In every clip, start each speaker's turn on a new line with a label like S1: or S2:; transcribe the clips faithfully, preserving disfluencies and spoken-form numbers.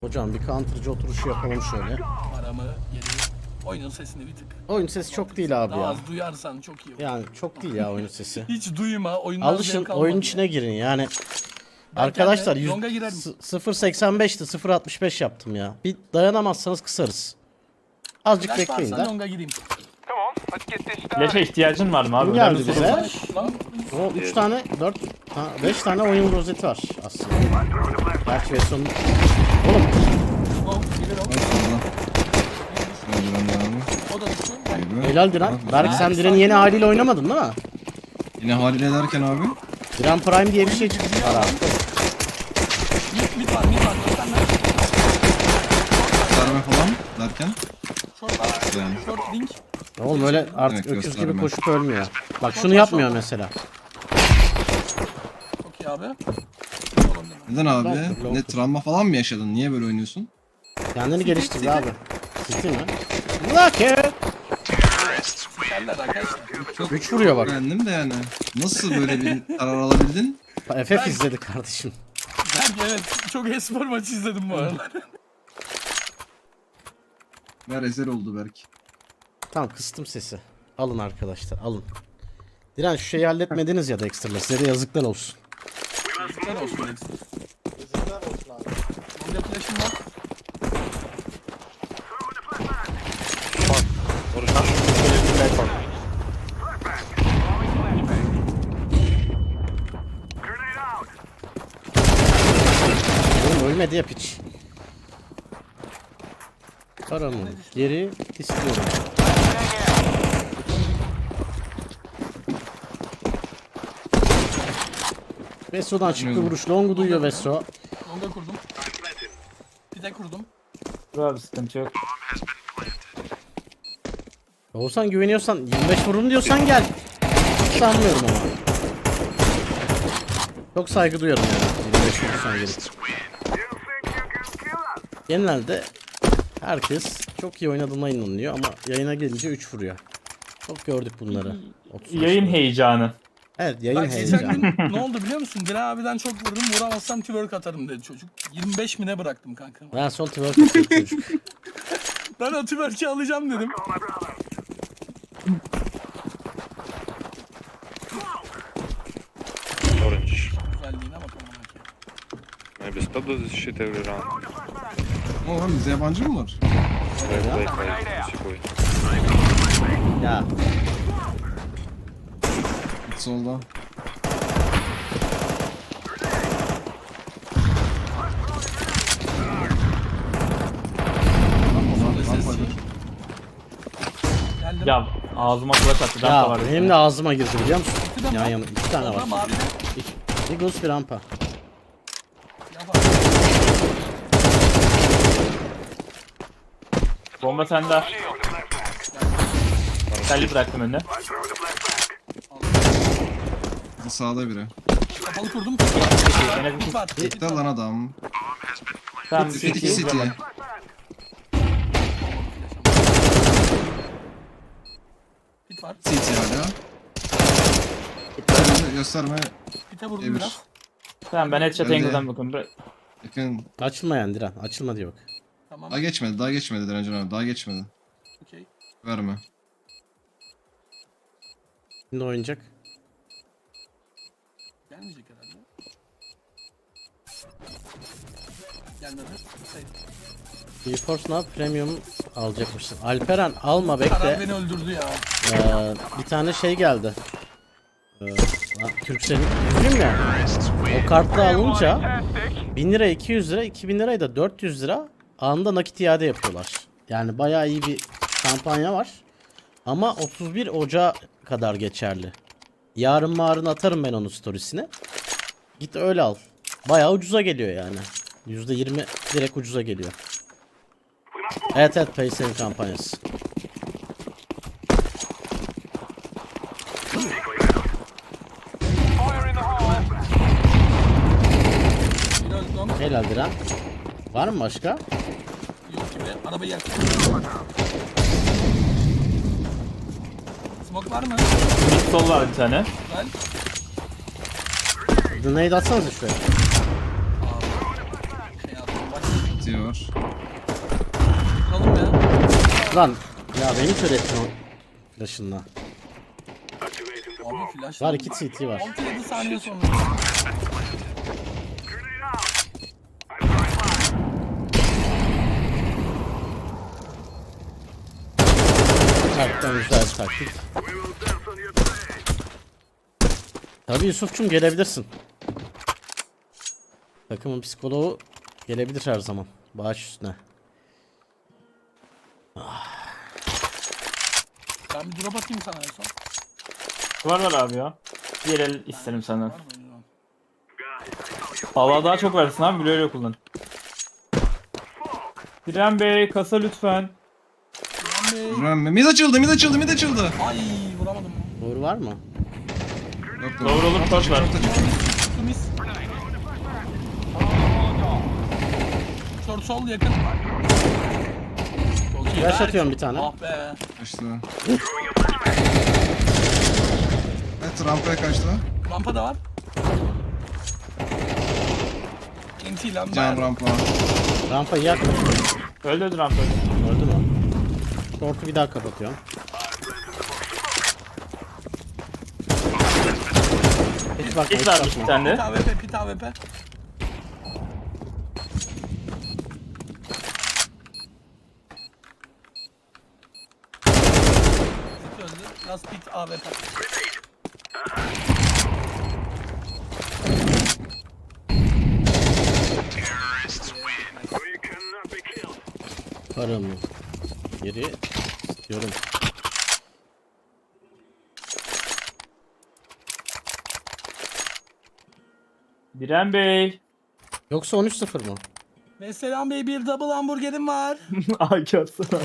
S1: Hocam bir counter'cı oturuşu yapalım şöyle.
S2: Aramı geri oyunun sesini bir tık.
S1: Oyun sesi çok değil abi
S2: Daha
S1: ya.
S2: az duyarsan çok iyi olur.
S1: Yani çok değil ya oyun sesi.
S2: Hiç duyma oyundan
S1: Alışın
S2: zevk alma
S1: oyun
S2: diye.
S1: içine girin yani.
S2: Ben
S1: Arkadaşlar
S2: kendime longa girerim.
S1: sıfır virgül seksen beşti sıfır virgül altmış beş yaptım ya. Bir dayanamazsanız kısarız. Azıcık
S2: Flash
S1: bekleyin
S2: varsa
S1: de.
S2: longa gireyim.
S3: Flash'e ihtiyacın var mı abi?
S1: Kim
S3: Ben
S1: geldi
S3: de
S1: bize?
S3: sorayım.
S2: Lan
S1: O üç tane, dört, beş tane oyun rozeti var aslında. Gerçi versiyonu... Oğlum
S2: o bilir o. O da düştü. Ben
S1: helal Diren. Berk sen Diren'in yeni haliyle oynamadın değil mi?
S4: Yine haliyle derken abi.
S1: Diren Prime diye bir şey çıktı. Ara.
S2: mid mid var mid var. Sen de
S4: Sarma falan derken.
S2: short var.
S4: Yani.
S2: Short link.
S1: Oğlum öyle artık
S4: Evet,
S1: öküz gibi
S4: gösterme.
S1: koşup ölmüyor. Bak şunu yapmıyor mesela.
S2: Çok iyi abi.
S4: Neden abi?
S1: Long- long-
S4: Ne travma falan mı yaşadın? Niye böyle oynuyorsun?
S1: Kendini geliştir abi. City mi? Lucky.
S2: Sikerler arkadaşlar.
S4: Çok
S1: üç vuruyor bak.
S4: beğendim de yani. Nasıl böyle bir karar alabildin?
S1: F F izledi kardeşim.
S2: Belki evet. Çok espor maçı izledim bu aralar.
S4: Ver ezel oldu Berk.
S1: Tamam kıstım sesi. Alın arkadaşlar alın. Diren şu şeyi halletmediniz ya da ekstrala. Size de yazıklar olsun.
S2: Güzel olsun Alex. Longa flash'ım var.
S1: Oğlum ölmedi ya piç. Paramı geri istiyorum. Vesso'dan çıktı vuruş. Long'u duyuyor Vesso.
S2: Longa kurdum. Bir de kurdum.
S3: Dur abi sıkıntı yok.
S1: Oğuzhan güveniyorsan yirmi beş vururum diyorsan gel. Sanmıyorum ama. Çok saygı duyarım yani. yirmi beş vurursan gelip. Genelde herkes çok iyi oynadığına inanıyor ama yayına gelince üç vuruyor. Çok gördük bunları. otuz beş
S3: Yayın
S1: vurdu.
S3: heyecanı.
S1: Evet yayın
S2: Bak geçen
S1: heyecanı.
S2: gün ne oldu biliyor musun? Dilan abiden çok vurdum. Vuramazsam twerk atarım dedi çocuk. yirmi beş mi ne bıraktım kanka.
S1: Ben son twerk atıyor çocuk.
S2: Ben o twerk'i alacağım dedim.
S5: Orange.
S2: Güzelliğine bakalım.
S5: Maybe stop does this shit every round.
S4: Oğlum bize yabancı mı var?
S5: Play, play, play. Sikoy.
S1: Ya
S4: Git solda.
S2: Geldim.
S3: Ya ağzıma kulaç attı. Dampa
S1: ya
S3: var.
S1: benim de ağzıma girdi biliyor musun?
S2: İki de
S1: Yan
S2: var.
S1: yana iki tane var.
S2: Orada mavi de
S1: Eagles bir rampa.
S2: yapar.
S3: Bomba sende. Telli bıraktım önüne.
S4: Sağda biri.
S2: Kapalı kurdum.
S3: Gene bir
S2: Mid var. mid
S4: Gitti
S2: var.
S4: lan adam.
S3: Tamam.
S4: City
S3: City.
S4: City.
S2: Mid var.
S4: City hala. Gösterme.
S2: Mid'e vurdum
S4: Emir.
S2: biraz.
S3: Tamam ben headshot
S4: Öyle.
S3: angle'dan bakıyorum. Bırak.
S4: Yakın.
S1: Açılmayan Diren. Açılma diye bak.
S2: Tamam.
S4: Daha geçmedi. Daha geçmedi Direncin abi. Daha geçmedi.
S2: Okey.
S4: Verme.
S1: Şimdi oynayacak.
S2: Gelmeyecek herhalde. Gelmedi. Şey,
S1: GeForce Now Premium alacakmışsın. Alperen alma
S2: karar
S1: bekle.
S2: beni öldürdü ya.
S1: Ee, bir tane şey geldi. Ee, Türkcell'in üzülüm ya. O kartla alınca bin lira iki yüz lira, iki bin lirayı da dört yüz lira anında nakit iade yapıyorlar. Yani bayağı iyi bir kampanya var. Ama otuz bir Ocağı kadar geçerli. Yarın marın atarım ben onun storiesine. Git öyle al. Bayağı ucuza geliyor yani. yüzde yirmi direkt ucuza geliyor. Evet evet Paysel'in kampanyası.
S2: Bir öldüm.
S1: Helal Diren. Var mı başka?
S2: Yok gibi. Arabayı yak. Smoke var mı?
S3: Mid sol var bir tane.
S2: Güzel.
S1: Grenade atsanıza şuraya.
S2: Şey yaptım. Bak.
S4: C T var.
S2: Kuralım ya.
S1: Lan ya beni kör ettin o flash'ınla.
S2: Abi flash.
S1: Var iki C T var.
S2: altı yedi saniye sonra.
S1: Taktikten güzel bir taktik. Tabii Yusuf'cum gelebilirsin. Takımın psikoloğu gelebilir her zaman. Bağış üstüne.
S2: Ben bir drop atayım sana en son.
S3: Var var abi ya. Diğer el isterim senden.
S2: Var mı? Bilmiyorum.
S3: Allah daha çok versin abi, bile öyle kullan. Diren Bey kasa lütfen.
S2: Ulan Bey.
S4: Vuran mid açıldı, mid açıldı, mid açıldı.
S2: Ay vuramadım.
S1: Doğru var mı?
S4: Yok,
S3: Doğru olur, short var.
S2: Çıktı mis. Short sol yakın. Çok iyi.
S1: Flash
S2: Berk.
S1: atıyorum bir tane.
S2: Ah be.
S4: Kaçtı. Evet, rampaya kaçtı.
S2: Rampa da var. Inti lan
S4: Can
S2: ben.
S4: rampa.
S1: Rampa yak.
S3: Öldü öldü rampa.
S1: Öldü mü? Short'u bir daha kapatıyorum. Hiç bakma, hiç
S3: Hit varmış bir
S1: bakma.
S3: tane
S2: Pit
S3: de.
S2: A W P, pit A W P. Pit öldü. Last pit A W P.
S1: Paramı geri istiyorum.
S3: Diren Bey.
S1: Yoksa on üç sıfır mı?
S2: Ve selam bey, bir double hamburgerim var.
S3: Ay görsene.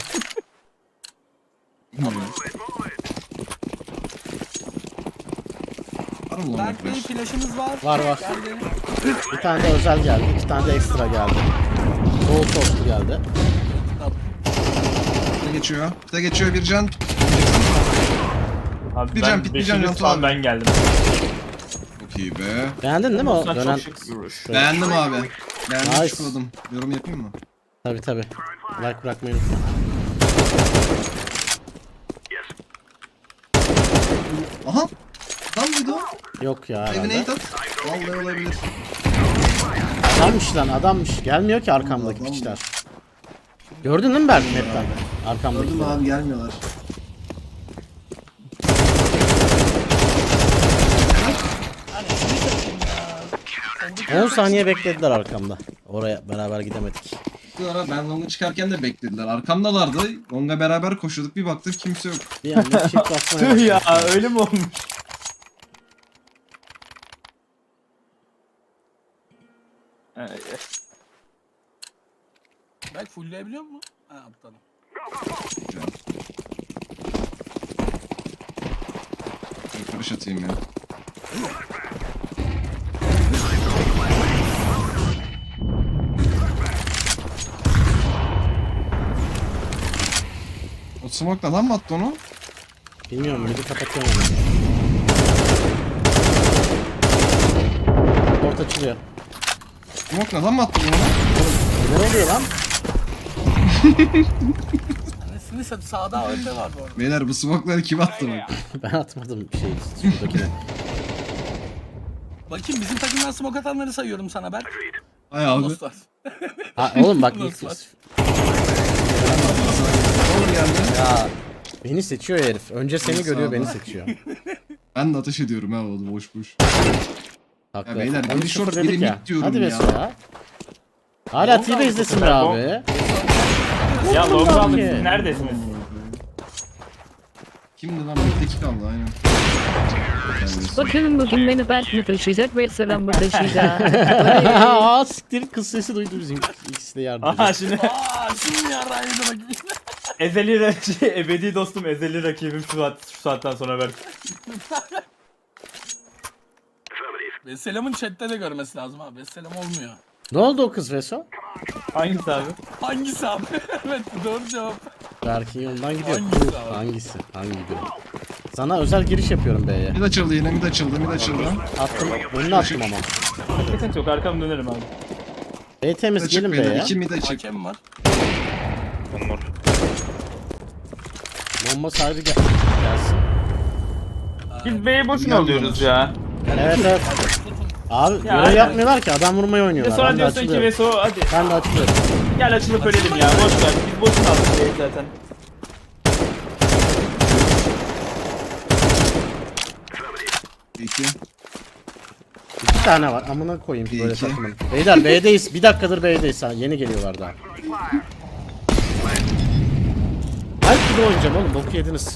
S4: Var mı lan
S2: Berk Bey
S4: flash?
S2: flash'ımız var.
S1: Var, var.
S2: Geldi.
S1: Bir tane de özel geldi. İki tane de ekstra geldi. Bol soslu geldi.
S4: Bir de geçiyor. Bir de geçiyor bir can.
S3: Abi
S4: Bir
S3: ben
S4: can, bir can
S3: beşinci
S4: can
S3: spawn
S4: abi.
S3: ben geldim.
S4: Çok iyi be.
S1: Beğendin değil mi o
S3: Sen
S1: dönen?
S3: çok şık bir vuruş.
S4: Beğendim abi. Beğendim,
S1: Nice.
S4: şıkladım. Yorum yapayım mı?
S1: Tabi tabi. Like bırakmayı unutma.
S4: Aha! Lan mıydı o?
S1: Yok ya
S4: Evine
S1: herhalde.
S4: it at. Vallahi olabilir.
S1: Adammış lan adammış. Gelmiyor ki arkamdaki
S4: Adam
S1: piçler. Gördün değil mi Berk map'ten? Arkamdaki.
S4: Gördüm abi, gelmiyorlar.
S2: Hani şunu satayım ya.
S1: on saniye beklediler arkamda. Oraya beraber gidemedik.
S4: Bu ara ben longa çıkarken de beklediler. Arkamdalardı. Longa beraber koşuyorduk. Bir baktık kimse yok.
S1: Bir anda shift basmaya
S3: Tüh ya,
S1: başladık.
S3: öyle mi olmuş? Ay,
S2: Berk fullleyebiliyor mu? Ha aptalım.
S4: Bir karış atayım ya. O smoke adam mı attı onu?
S1: Bilmiyorum midi kapatıyorum onu. Port açılıyor.
S4: Smoke adam mı attı onu?
S1: Ne oluyor lan?
S2: Anasını sat, sağda A W P var bu arada.
S4: Beyler bu smoke'ları kim attı bak?
S1: Ben atmadım bir şey şuradakine.
S2: Bakayım bizim takımdan smoke atanları sayıyorum sana Berk.
S4: Ay abi.
S2: Dostlar.
S1: Ha oğlum bak ilk
S2: Nasıl var?
S4: Olur geldi.
S1: ya beni seçiyor herif. Önce seni
S4: Sağ
S1: görüyor
S4: ol.
S1: beni seçiyor.
S4: Ben de ateş ediyorum ha oğlum, boş boş.
S1: Haklı.
S4: Ya beyler,
S1: on üç
S4: biri short,
S1: sıfır dedik
S4: biri
S1: ya.
S4: mid diyorum
S1: Hadi
S4: ya.
S1: Beso ya. Hala
S3: Long
S1: T-Base
S3: aldık
S1: izlesin
S3: bu
S1: be
S3: sefer,
S1: abi.
S3: Ya
S1: Long
S3: long
S1: aldık.
S3: aldık, siz neredesiniz?
S4: Kimdi lan? Middeki kaldı aynen. Geldi.
S6: Bakın bugün beni Berk mi taşıyacak ve selam taşıyacak.
S1: Aa siktir kız sesi duydu bizim ikisi de yardım
S3: Aha
S1: ediyor.
S3: şimdi
S2: Aaa şimdi yarrağıydı bakayım.
S3: ezeli ra- şey, ebedi dostum, ezeli rakibim şu, saat, şu saatten sonra ver.
S2: Ve selamın chatte de görmesi lazım abi. Ve selam olmuyor.
S1: Ne oldu o kız Veso?
S3: Hangisi abi?
S2: Hangisi abi? Evet doğru cevap.
S1: Berk'in yolundan gidiyor.
S2: Hangisi
S1: Hangisi?
S2: abi?
S1: Hangisi? Hangi gün? Sana özel giriş yapıyorum B'ye.
S4: Mid açıldı yine, mid açıldı, mid açıldı.
S1: Attım. Önüne attım ama.
S3: Sıkıntı yok, arkamı dönerim abi.
S1: B temiz
S4: Açık
S1: gelin
S4: beyler.
S1: B'ye.
S4: İki mid açık.
S2: Hakem var.
S5: One more.
S1: Bomba sahibi gel gelsin.
S3: Biz B'yi boşuna alıyoruz ya.
S1: Evet evet. Abi
S3: Ya,
S1: görev
S3: aynen.
S1: yapmıyorlar ki adam vurmayı
S3: Bir de
S1: oynuyorlar.
S3: sonra
S1: Ben de
S3: diyorsun ki
S1: açılıyorum.
S3: Veso hadi.
S1: Ben de açılıyorum.
S3: Gel açılıp ölelim ya. Boş ver. Biz boşuna aldık B'yi zaten.
S4: İki.
S1: İki tane var. Amına koyayım
S4: Bir,
S1: böyle
S4: iki.
S1: takımın. Beyler B'deyiz. Bir dakikadır B'deyiz. Ha, yeni geliyorlar daha. Alp gibi oynayacağım oğlum. Boku yediniz.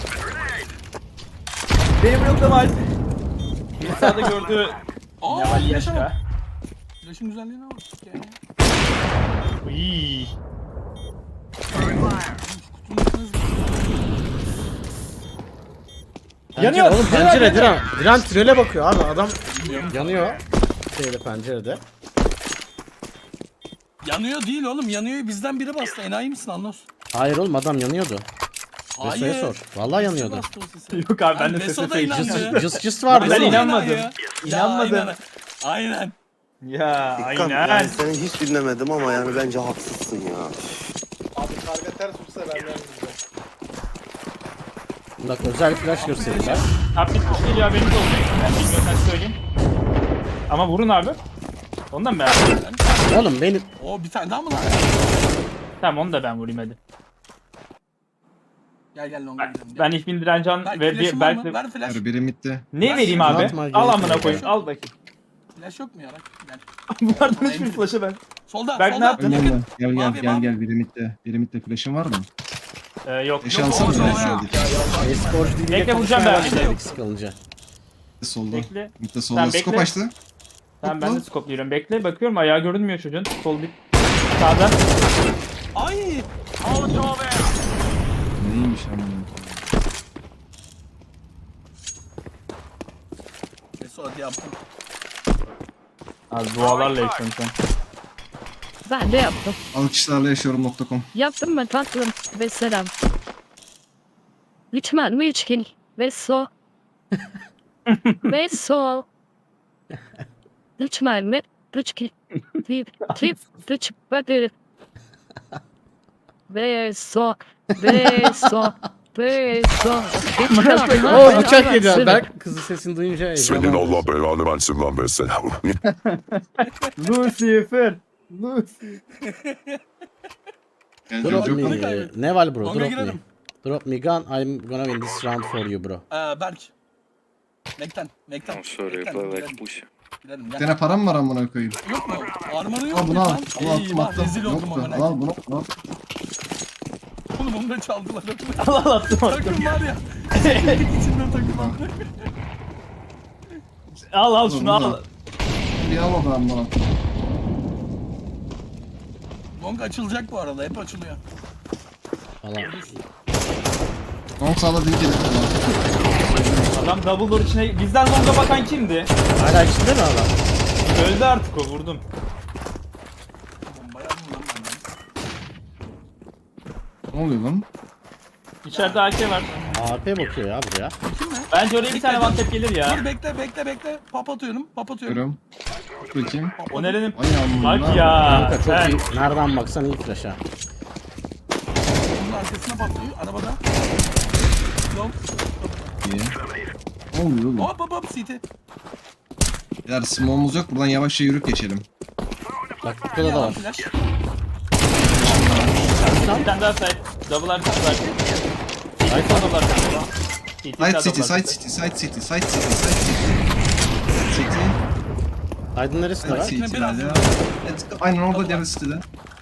S3: Benim bloklama Alp. Bir sağda gördüğü
S2: Aa,
S3: Neval
S2: flash'a
S3: Yaşka.
S2: bak. Flash'ın güzelliğine bak. Ya.
S3: Iiii.
S1: Pencere,
S3: Yanıyor.
S1: oğlum
S3: Diren,
S1: pencere
S3: Diren.
S1: Diren. Diren tünele bakıyor abi adam yanıyor. Şeyde pencerede.
S2: Yanıyor değil oğlum. Yanıyor bizden biri bastı. Enayi misin Anlos?
S1: Hayır oğlum adam yanıyordu. Veso'ya sor. Vallahi yanıyordu.
S2: Bastı o sesi.
S3: Yok abi ben de
S2: Veso
S3: sese
S2: da
S3: fake.
S2: inanmıyor.
S1: Cıs cıs cıs vardı.
S3: Ben
S1: oğlum.
S3: inanmadım.
S2: Ya.
S3: İnanmadım.
S2: Ya, aynen. Aynen.
S3: Ya
S7: Dikkat,
S3: aynen.
S7: yani seni hiç dinlemedim ama yani bence haksızsın ya.
S1: Bak özel flash gösterdiler.
S3: Abi bitmiş geliyor haberiniz olsun. Ben bilmiyorsan söyleyeyim. Ama vurun abi. Ondan mı ben?
S1: Oğlum benim
S2: O bir tane daha mı lan?
S3: Tamam onu da ben vurayım hadi.
S2: Gel gel longa gidelim.
S3: Ben İhbin Direncan
S2: Belki
S3: ve
S2: flash'ın
S3: bir
S2: var mı?
S3: belki...
S2: Ver flash.
S4: Ver biri midde.
S3: Ne vereyim abi?
S1: Atma,
S3: Al
S1: gerek
S3: amına
S1: yok.
S3: koyayım. Al bakayım.
S2: Flash yok mu ya? Bak, Gel.
S3: Bunlardan hiçbir flash'ı ben.
S2: Solda,
S3: Berk ne
S2: solda.
S3: yaptın?
S4: Gel
S2: Yakın.
S4: gel gel
S2: Mavi,
S4: gel gel
S2: mavi.
S4: gel biri midde. Biri midde flash'ın var mı?
S3: Ee, yok.
S4: Flash
S2: Yok,
S4: alsana
S2: o zaman
S4: flash
S2: ya.
S4: aldık.
S1: e-sporcu değil diye
S3: Bekle, vuracağım
S1: konuşmaya
S3: ben.
S1: başladık sıkılınca.
S4: Solda.
S3: Bekle.
S4: Midde
S3: Tamam,
S4: solda. Skop
S3: bekle.
S4: açtı.
S3: Tamam ben de
S4: Topla.
S3: skopluyorum. Bekle bakıyorum ayağı görünmüyor çocuğun. Sol bir. Sağda.
S2: Ay.
S4: Neymiş amına.
S2: Veso hadi yaptım.
S3: Abi dualarla yaşıyorum sen.
S6: Ben de yaptım.
S4: Alkışlarla yaşıyorum nokta com.
S6: Yaptım mı tatlım ve selam. Lütfen mi içkin ve so. Ve so. Lütfen mi? Lütfen. Trip. Trip. Lütfen. Ve so. Ve so. Ve so.
S1: Oo bıçak yedi. Berk kızı sesini duyunca
S8: Senin
S1: heyecanlandı.
S8: Allah belanı versin lan mesela.
S3: Lucifer. Lucifer.
S4: Gel
S1: Drop
S4: gel
S1: me.
S4: yok.
S2: Onu kaybettim.
S1: Ne var bro?
S2: Longa
S1: Drop me.
S2: girelim.
S1: Drop me gun. I'm gonna win this round for you bro.
S2: Ee, Berk. Mekten. Mekten.
S5: I'm sorry,
S2: Mekten,
S5: play like
S2: gidelim,
S5: pussy.
S2: gidelim,
S4: Bir
S2: gel.
S4: tane param var amına koyayım.
S2: Yok mu? Armanı yok
S4: Al
S2: mu
S4: bunu al.
S2: lan?
S4: Al attım
S2: Eyvah,
S4: attım.
S2: rezil oldum
S4: Yoktu.
S2: amına.
S4: Al al bunu. Al.
S2: Oğlum onu da çaldılar.
S3: Al al attım attım.
S2: Takım var ya. İçinden takım var.
S3: Al al şunu
S4: Bunu
S3: al.
S4: al. Bir al o zaman bana.
S2: Long açılacak bu arada. Hep açılıyor.
S1: Falan.
S4: On sağla değil gelir.
S3: Adam double door içine bizden longa bakan kimdi?
S1: Hala içinde mi adam?
S3: Öldü artık o vurdum.
S2: Bombayı aldım lan benden.
S4: Ne oluyor lan?
S3: İçeride A K var.
S1: A P bakıyor ya buraya.
S2: Kim ne?
S3: Bence oraya bir tane one tap gelir ya.
S2: Dur bekle bekle bekle. Pop atıyorum. Pop atıyorum.
S4: Görüyorum. Bakayım.
S2: Pop
S3: O
S2: atıyorum.
S3: nerenin?
S4: Ay amına.
S3: Bak ya.
S1: Kanka çok
S3: sen-
S1: iyi. Nereden baksan iyi flash ha.
S2: Bunun arkasına patlıyor. Arabada. Long.
S4: İyi. Ne oluyor oğlum?
S2: Hop hop hop. C T.
S4: Eğer smoke'umuz yok buradan yavaşça yürüp geçelim.
S1: Bak burada da var.
S2: Flash.
S3: Bir tane daha side. Double artı var.
S1: Ay,
S3: Double artı.
S4: Side city, side city, side city, side city, side city. City,
S1: Aydın neresinde
S4: side
S1: var?
S4: city
S2: biraz
S4: ya. Evet, aynen orada diğer city'de.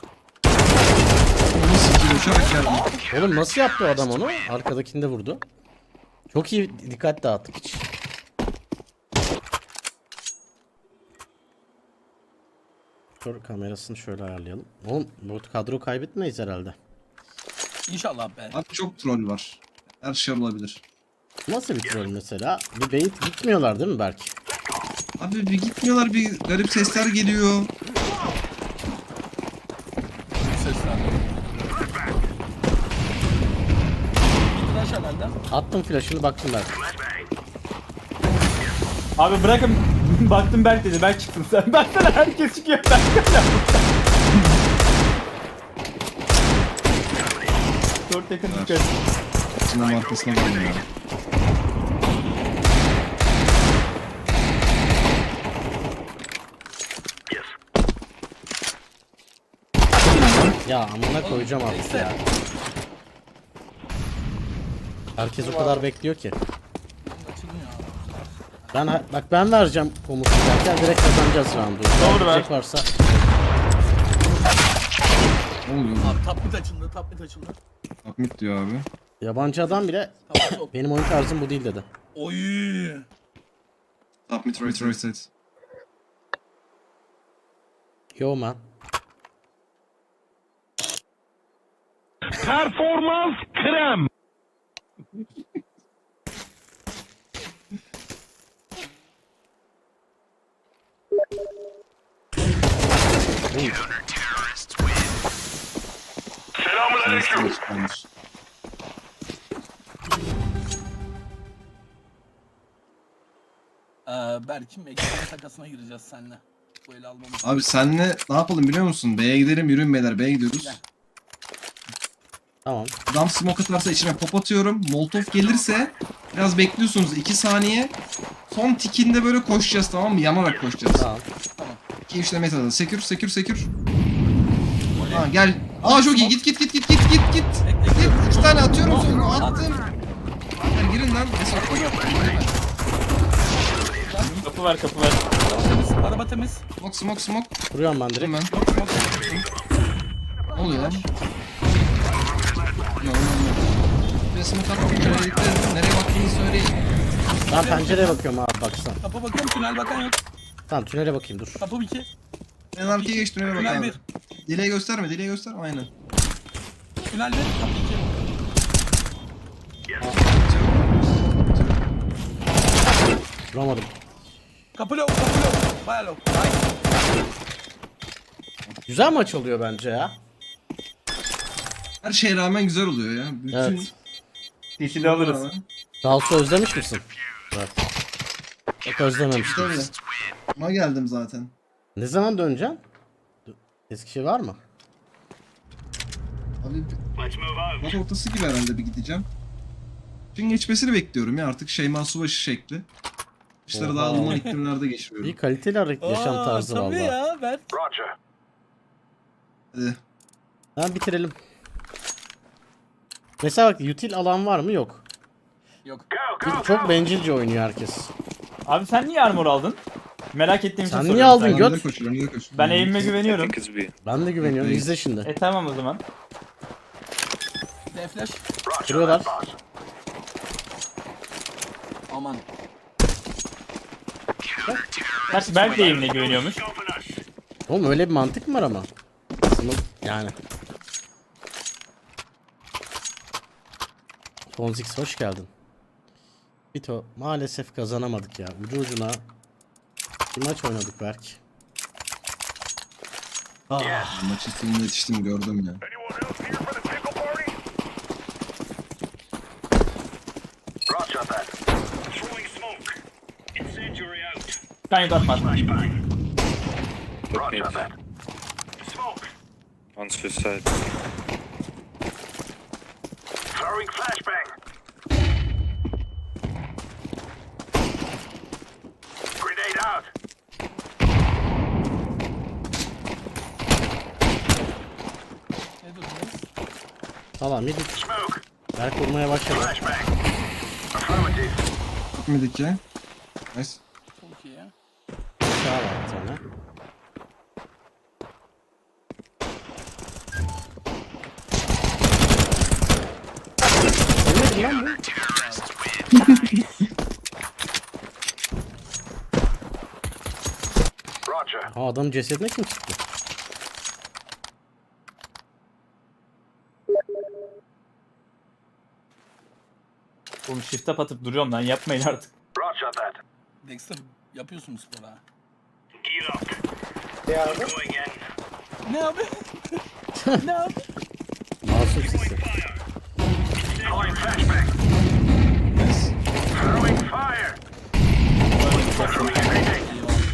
S4: Bunu sikiyor, uçarak geldim.
S1: Oğlum nasıl yaptı o adam onu? Arkadakinde vurdu. Çok iyi dikkat dağıttık hiç. Dur kamerasını şöyle ayarlayalım. Oğlum bu kadro kaybetmeyiz herhalde.
S2: İnşallah be.
S4: Abi çok troll var. Her şey olabilir.
S1: Nasıl bir troll mesela? Bir bait gitmiyorlar değil mi Berk?
S4: Abi bir gitmiyorlar, bir garip sesler geliyor.
S2: Sesler. Flash herhalde.
S1: Attım flash'ını baktım Berk.
S3: Abi bırakın. çıktım baktım Berk dedi. Berk çıktın sen. Baksana herkes çıkıyor. Berk Dört yakın dikkat.
S4: Sinema arkasına geldim ya.
S1: Ya amına koyacağım artık ya. Herkes o kadar bekliyor ki.
S2: Açılmıyor abi.
S1: Ben bak ben vereceğim komutu derken direkt kazanacağız roundu.
S3: Doğru ver.
S1: Verecek varsa
S4: Ne oluyor?
S2: Abi top mid açıldı, top mid açıldı.
S4: Submit diyor abi.
S1: yabancı adam bile
S2: Top mid ok.
S1: benim oyun tarzım bu değil dedi.
S2: Oy.
S4: Submit right right side.
S1: Yo man.
S4: Neyse, çıkarmış.
S2: Ee, Berk'im ekran takasına gireceğiz seninle. Bu eli almamız.
S4: Abi senle ne yapalım biliyor musun? B'ye gidelim, yürüyün beyler, B'ye gidiyoruz.
S2: Gel.
S1: Tamam.
S4: Adam smoke atarsa içine pop atıyorum. Molotov gelirse biraz bekliyorsunuz iki saniye. Son tikinde böyle koşacağız, tamam mı? Yanarak koşacağız.
S1: Tamam.
S4: İki üçte metada. Sekür, sekür, sekür. Ha gel. Aa çok iyi. Git git git git git git git. Git. İki tane atıyorum sonra. Attım. Gel girin lan. Esat koy.
S3: Kapı ver kapı ver.
S2: Temiz, araba temiz.
S4: Smoke smoke smoke.
S1: Kuruyorum ben direkt.
S4: Hemen. Ne oluyor lan? Ne oluyor lan? Bir smoke attım. Nereye gitti? Nereye baktığını söyleyin.
S1: Ben pencereye bakıyorum abi baksana.
S2: Kapı bakıyorum, tünel bakan yok.
S1: Tamam tünele bakayım dur.
S2: Kapı iki.
S4: En arkaya geçtim. Nereye bak
S2: Tünel
S4: abi.
S2: bir.
S4: Dileği gösterme. Dileği gösterme. Aynen.
S2: Tünel bir, kapı iki.
S1: Vuramadım.
S2: Kapı low, kapı low. Baya low. Nice.
S1: Güzel maç oluyor bence ya.
S4: Her şeye rağmen güzel oluyor ya. Bütün...
S1: Evet.
S3: Tişili alırız.
S1: Dalsu özlemiş misin? Evet. Pek özlememiştim.
S4: Tabii. Ama geldim zaten.
S1: Ne zaman döneceksin? Eskişehir var mı?
S4: Abi maç ortası gibi herhalde bir gideceğim. Gün geçmesini bekliyorum ya artık Şeyma Subaşı şekli. İşleri daha
S1: Oha.
S4: ılıman iklimlerde geçiriyorum.
S1: İyi kaliteli har- yaşam
S2: Aa,
S1: tarzı
S2: tabii
S1: valla.
S2: ya Berk.
S4: Hadi.
S1: Tamam bitirelim. Mesela bak util alan var mı? Yok.
S2: Yok.
S1: Çok bencilce oynuyor herkes.
S3: Abi sen niye armor aldın? Merak ettiğim için
S1: Sen
S3: soruyorum.
S1: niye aldın
S3: Sen-
S1: göt?
S4: Önde koşuyorum, önde koşuyorum.
S3: Ben eğimime
S5: I
S3: güveniyorum.
S5: think it's B.
S1: Ben de güveniyorum.
S4: Değil.
S1: İzle şimdi.
S3: E tamam o zaman.
S2: D flash.
S1: Kuruyorlar.
S2: Aman.
S3: Gerçi Berk de eğimine güveniyormuş.
S1: Oğlum öyle bir mantık mı var ama? Sınıf yani. Fonzix hoş geldin. Bito maalesef kazanamadık ya. Ucu ucuna bir maç oynadık belki. Ah,
S4: Maçı sonuna yetiştim gördüm ya.
S3: Ben yutatmaz.
S5: Look mid. On suicide.
S2: Ne durumdayız?
S1: tamam yedik. Berk vurmaya başladı.
S4: Gitmedik ya. Nice.
S2: Çok iyi ya.
S1: Daha var bir tane. Ölmedin lan bu. Ha adamın cesedine kim çıktı?
S3: Oğlum shift up atıp duruyorum lan yapmayın artık.
S2: Dexter yapıyorsun spor ha. Ne abi? Ne abi? Ne abi?
S1: Masum sesi.
S4: Nice.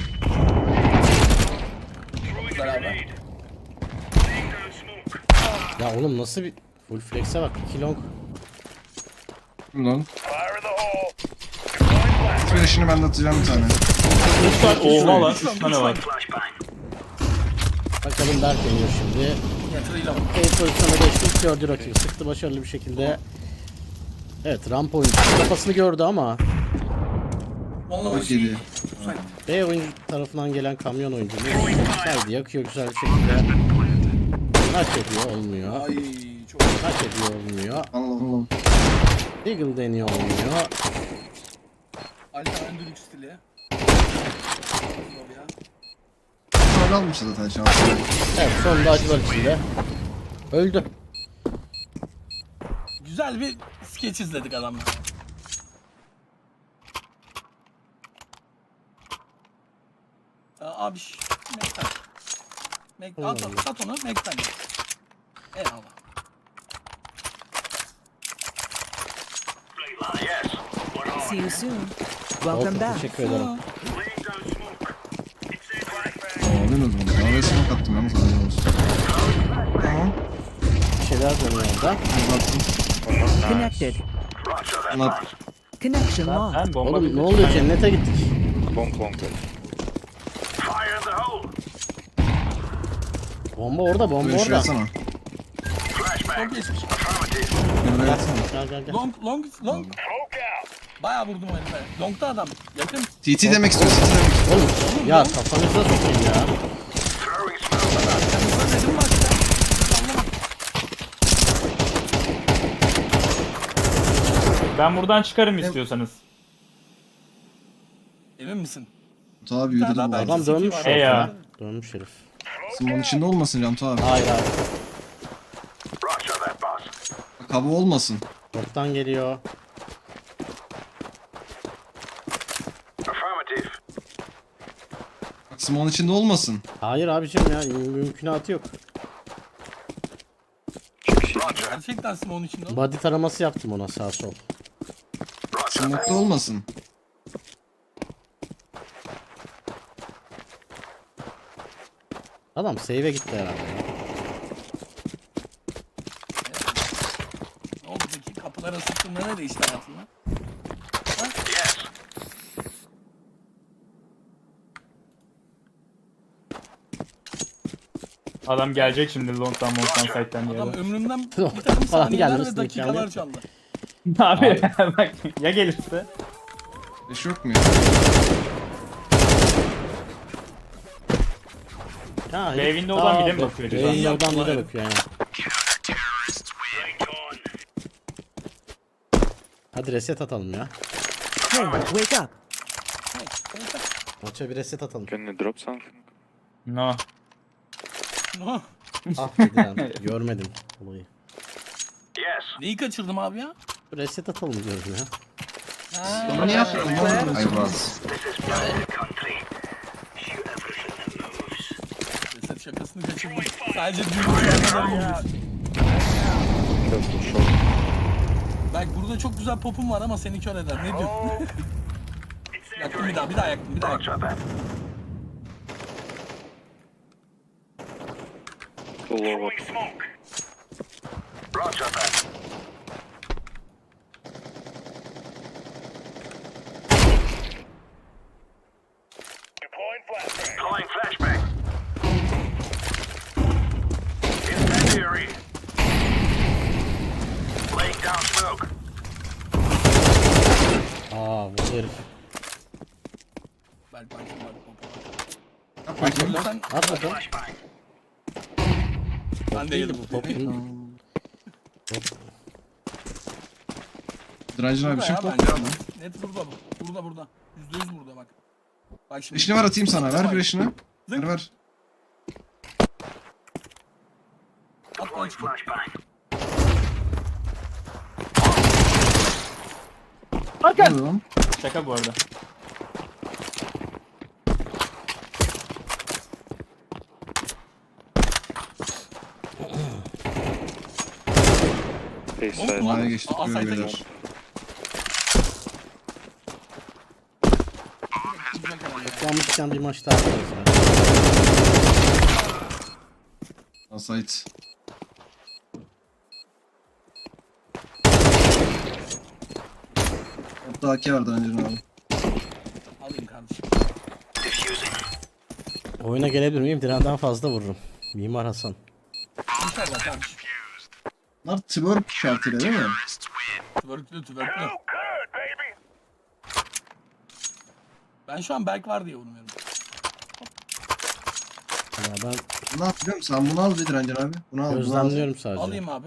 S2: güzel abi.
S1: Ya oğlum nasıl bir full flex'e bak. iki long.
S4: Lan. Flash'ını ben de atacağım bir tane.
S3: üç tane oha lan. üç tane var.
S1: Bakalım Berk deniyor şimdi.
S2: Yatırıyla bak.
S1: Kayıt pozisyona geçti. Gördü rakibi. Sıktı başarılı bir şekilde. Evet, ramp oyuncusu kafasını gördü ama
S2: Vallahi
S4: Çok
S2: şey.
S4: iyiydi.
S1: B oyuncu tarafından gelen kamyon oyuncu saydı, yakıyor güzel bir şekilde. Maç ediyor, olmuyor.
S2: Ay çok.
S1: Maç ediyor, olmuyor.
S4: Allah Allah.
S1: Eagle deniyor, olmuyor.
S2: Alta Endülük stili. Ya.
S4: Öyle almış zaten şansı.
S1: Evet, sonunda acılar içinde. Öldü.
S2: Güzel bir skeç izledik adamla. Abi şş, Mekten. Mek at, at, at onu Mekten. Eyvallah.
S9: See you soon. Welcome
S1: Olsun,
S9: back.
S1: teşekkür ederim.
S4: Aldınız bunu. Daha ve smoke attım yalnız haberin olsun. Tamam.
S1: Bir şeyler dönüyor orada.
S4: Uzattım.
S9: Connected.
S4: Anlat.
S9: Connection locked.
S3: Ben bomba
S1: Oğlum
S3: bir
S1: ne oluyor, cennete gittik.
S5: Bomb bomb.
S1: Bomba orada, bomba
S4: Böyle şey
S1: orada.
S4: atsana.
S2: Çok geçmiş.
S4: Böyle atsana.
S1: Gel gel gel.
S2: Long, long, long. Bayağı vurdum o herife. Long'da adam. Yakın.
S4: T T demek istiyor. T T demek istiyor.
S1: Oğlum ya kafanızda sokayım ya.
S2: Yanımda dedim bak ya. Anlamadım.
S3: Ben buradan çıkarım istiyorsanız.
S2: Emin misin?
S4: Cantu abi yürüdü bu
S2: Adam
S4: arada.
S1: Adam dönmüş
S2: Hey
S3: ya.
S1: ortaya. Dönmüş herif.
S4: Smoke'un içinde olmasın Cantu abi.
S1: Hayır hayır.
S4: Kaba olmasın.
S1: Ortadan geliyor.
S4: Bak smoke'un içinde olmasın.
S1: Hayır abicim ya, mü- mümkünatı yok.
S2: Gerçekten Simon içinde o.
S1: Body taraması yaptım ona, sağ sol.
S4: Smoke'da olmasın.
S1: Adam save'e gitti herhalde ya.
S2: Ne oldu peki? Kapılara sıktığında ne değişti hayatında? Ha?
S3: Adam gelecek şimdi long'dan long'dan side'den diye.
S2: Adam ömrümden bir
S1: Falan
S2: takım saniyeler
S1: gelmesine
S2: ve
S1: imkanı
S2: dakikalar
S1: yok.
S2: çaldı.
S3: Abi bak ya gelirse.
S4: Beş yok mu ya?
S1: Ya,
S3: B
S1: herif-
S3: window'dan
S1: Aa,
S3: bile mi
S1: B-
S3: bakıyor
S1: B
S3: acaba?
S1: window'dan bile
S2: Yaptılar.
S1: bakıyor yani. Hadi reset atalım ya.
S9: Hey, wake up.
S1: Maça bir reset atalım.
S5: Can you drop something?
S3: No.
S2: No.
S1: Ah dedi lan, görmedim olayı.
S2: Neyi kaçırdım abi ya?
S1: Reset atalım diyorum ya.
S2: Ha.
S4: Onu niye yaptın? Ay Murat.
S2: Reset şakasını kaçırdım. Sadece düğün kadar olmuş. Bak burada çok güzel popum var ama seni kör eder. Ne diyorsun? Yaktım bir daha, bir daha yaktım, bir daha yaktım.
S5: Full over.
S1: Aa bu herif.
S2: Belki belki belki popu.
S4: Yap bakayım.
S2: Sen,
S1: At bakalım.
S2: ben de yedim.
S1: Bu topun.
S4: Drancın abi bir şey
S2: Burada
S4: yok.
S2: ya bence. Net burada bu. Burada burada. Yüzde yüz burada bak. Bak şimdi.
S4: Flash'ını ver atayım sana. Ver flash'ını. Ver ver.
S2: At bana çıkıyor.
S4: Ne oluyor lan?
S3: Şaka bu arada.
S5: Face
S2: Oğlum,
S5: side.
S4: A'ya geçtik
S2: Aa,
S4: böyle
S2: sayda
S4: beyler.
S2: geç. Güzel karar ya.
S1: Kullanmışken bir maç daha yaparız ya.
S4: Sait. Hatta A K vardı önceden abi.
S2: Alayım kardeşim.
S1: Oyuna gelebilir miyim? Diren'den fazla vururum. Mimar Hasan.
S2: İnşallah kardeşim.
S4: Bunlar twerk şartıyla değil mi?
S2: Twerklü twerklü. Ben şu an Berk var diye vurmuyorum.
S1: Ya ben
S4: Ne yapıyorum? Sen bunu al bir direncen abi. Bunu al. Bunu al.
S1: gözlemliyorum sadece.
S2: Alayım abi.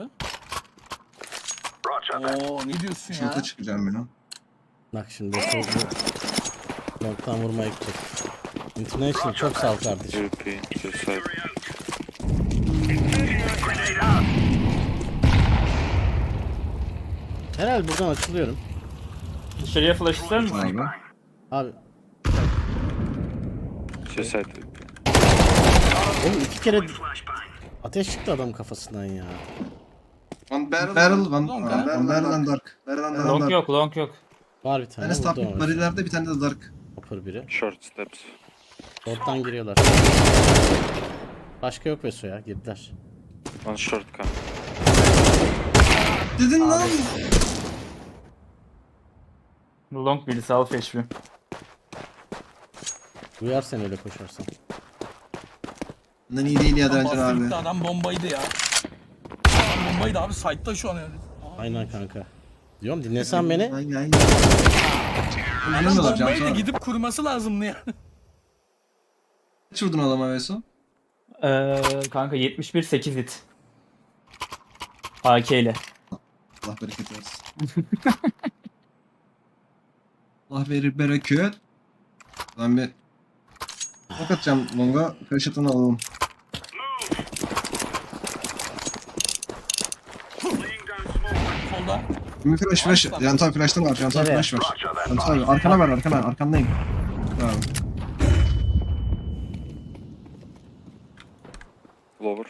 S2: Oo ne diyorsun ya?
S4: Şurada çıkacağım ben o.
S1: Bak şimdi solda noktadan vurmaya gidecek. International çok sağ ol kardeşim.
S5: U P, to side.
S1: Herhalde buradan açılıyorum.
S3: Dışarıya flash ister misin?
S4: Abi.
S1: Abi
S5: To side.
S1: oğlum iki kere ateş çıktı adam kafasından ya.
S4: One barrel. Barrel. One,
S2: Long,
S4: one
S2: ha?
S4: barrel and dark. Barrel and dark.
S3: Long yok, long yok.
S1: Var bir
S4: Bir
S1: tane
S4: tane
S1: vurdu
S4: stop
S1: ama.
S4: barilerde bir tane de dark.
S1: Hopper biri.
S5: Short steps.
S1: Short'tan giriyorlar. Başka yok Veso ya, girdiler.
S5: One short come.
S4: Dedin lan.
S3: Long birisi al H P.
S1: Duyar sen öyle koşarsan.
S4: Bundan iyi değil ya
S2: Adam
S4: direncen
S2: bastı
S4: abi.
S2: gitti, adam bombaydı ya. Adam bombaydı abi, site'da şu an yani.
S1: Aynen kanka. Diyorum dinlesen beni.
S4: Aynen aynen.
S2: Adam
S4: Bilmiyorlar can
S2: bombaydı,
S4: sonra.
S2: gidip kurması lazımdı ya.
S4: Kaç vurdun adama Veso?
S3: Ee, kanka yetmiş bir sekiz hit. A K ile.
S4: Allah bereket versin. Allah verir bereket. Ben bir ok atacağım longa. Flash atını alalım.
S2: Solda.
S4: Bir flash flash. Yan tam flash'ta var. Yan tam
S1: Nereye?
S4: flash var. Yan tam arkana ver arkana. Arkandayım. Tamam.
S5: Lower.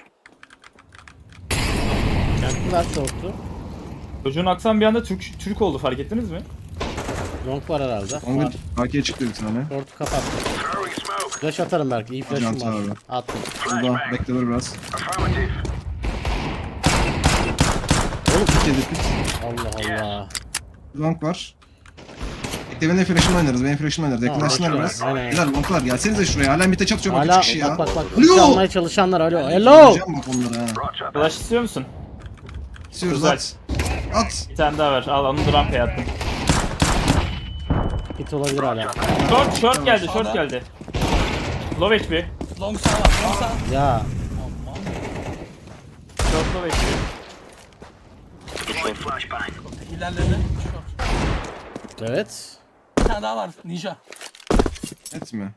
S1: Kendiler short'tu.
S3: Çocuğun aksan bir anda Türk Türk oldu, fark ettiniz mi?
S1: Long var herhalde.
S4: Longa
S1: Var.
S4: A K'ye çıktı bir tane.
S1: Short'u kapattım. Flash atarım belki. İyi flash'ım
S4: Hocam,
S1: var.
S4: abi.
S1: Attım.
S4: Burada bekle dur biraz.
S1: Oğlum
S4: Kedi pit.
S1: Allah Allah.
S4: Long var. Bekle benim flash'ımla oynarız. Benim flash'ımla oynarız.
S1: Tamam,
S4: Yakınlaşsınlar
S1: bekle.
S4: biraz.
S1: Aynen.
S4: Güzel longlar. Gelsenize şuraya. Hala mite çatışıyor bak
S1: Hala
S4: üç kişi ya.
S1: bak bak bak.
S4: Alo!
S1: Alo. Almaya çalışanlar alo. Hello.
S4: Vuracağım bak onları ha.
S3: Flash istiyor musun?
S4: İstiyoruz
S3: Güzel.
S4: at. At.
S3: Bir tane daha ver. Al onu da rampaya attım.
S1: Hit olabilir hala.
S3: Short, short geldi, short
S2: Sağda.
S3: geldi. Low H P.
S2: Long sağ var, long sağ.
S1: Ya.
S3: Short low H P.
S2: İlerledi. Short.
S1: Evet.
S2: Bir tane daha var, ninja.
S4: Et mi?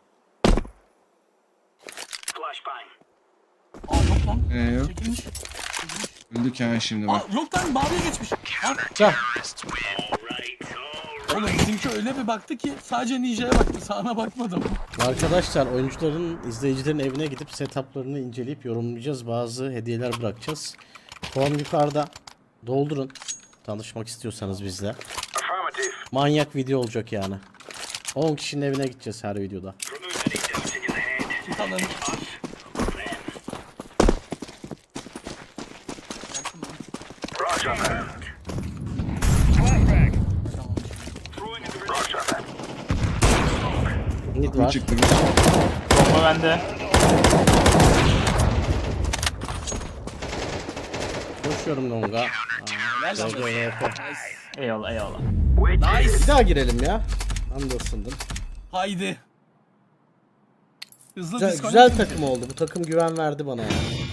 S2: Aa yok lan.
S4: Ee, yok.
S2: Çekilmiş.
S4: Öldük ya şimdi
S2: Aa
S4: bak.
S2: yok lan, maviye geçmiş. Ha,
S1: Çak.
S2: oğlum bizimki öyle bir baktı ki sadece ninja'ya baktı, sağına bakmadım.
S1: Arkadaşlar oyuncuların, izleyicilerin evine gidip setuplarını inceleyip yorumlayacağız. Bazı hediyeler bırakacağız. Form yukarıda. Doldurun. Tanışmak istiyorsanız bizle. Manyak video olacak yani. on kişinin evine gideceğiz her videoda.
S2: Git alın.
S1: Mid
S4: Bu
S1: var.
S4: çıktı.
S3: Bomba bende.
S1: Koşuyorum longa. Aa,
S2: Helal
S1: G G
S2: olsun.
S1: V P.
S3: Eyvallah eyvallah.
S2: Nice.
S1: Bir daha girelim ya. Ben de ısındım.
S2: Haydi. Hızlı
S1: Güzel,
S2: disconnect
S1: güzel
S2: mi?
S1: takım oldu. Bu takım güven verdi bana yani.